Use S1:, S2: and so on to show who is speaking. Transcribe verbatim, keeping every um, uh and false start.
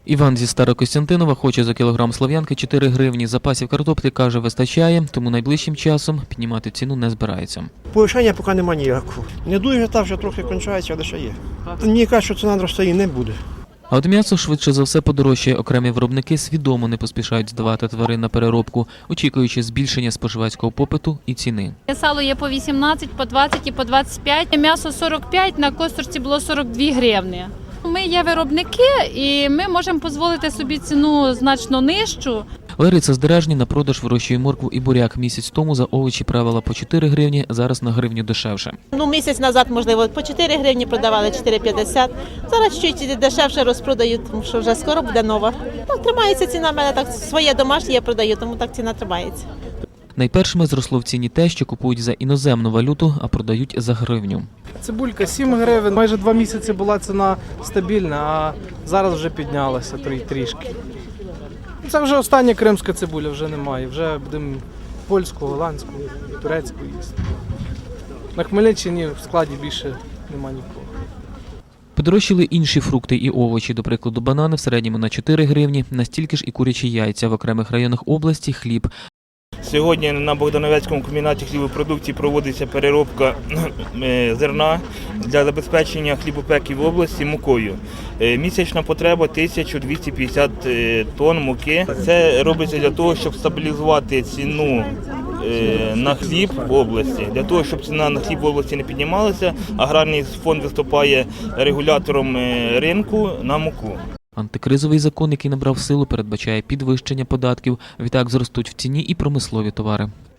S1: Іван зі Старокостянтинова хоче за кілограм слов'янки чотири гривні. Запасів картоплі, каже, вистачає, тому найближчим часом піднімати ціну не збирається.
S2: Повишення поки немає ніякого. Не дуже, та вже трохи кончається, але ще є. Мені кажуть, що ціна зростає не буде.
S1: А от м'ясо швидше за все подорожчає. Окремі виробники свідомо не поспішають здавати тварин на переробку, очікуючи збільшення споживацького попиту і ціни.
S3: Сало є по вісімнадцять, по двадцять і по двадцять п'ять. М'ясо сорок п'ять, на косточці було сорок дві гривні. Ми є виробники і ми можемо дозволити собі ціну значно нижчу.
S1: Лариса з Деражні на продаж вирощує моркву і буряк. Місяць тому за овочі правила по чотири гривні, зараз на гривню дешевше.
S4: Ну, місяць назад, можливо, по чотири гривні продавали, чотири п'ятдесят. Зараз чуть дешевше розпродають, тому що вже скоро буде нова. Ну, тримається ціна, в мене так своє домашнє я продаю, тому так ціна тримається.
S1: Найпершими зросло в ціні те, що купують за іноземну валюту, а продають за гривню.
S5: Цибулька сім гривень, майже два місяці була ціна стабільна, а зараз вже піднялася трішки. Це вже остання кримська цибуля, вже немає, вже будемо польську, голландську, турецьку їсти. На Хмельниччині в складі більше немає нікого.
S1: Подорожчали інші фрукти і овочі, до прикладу, банани в середньому на чотири гривні, настільки ж і курячі яйця, в окремих районах області хліб.
S6: Сьогодні на Богдановецькому комбінаті хлібопродуктів проводиться переробка зерна для забезпечення хлібопеків в області мукою. Місячна потреба тисяча двісті п'ятдесят тонн муки. Це робиться для того, щоб стабілізувати ціну на хліб в області. Для того, щоб ціна на хліб в області не піднімалася, аграрний фонд виступає регулятором ринку на муку.
S1: Антикризовий закон, який набрав силу, передбачає підвищення податків. Відтак зростуть в ціні і промислові товари.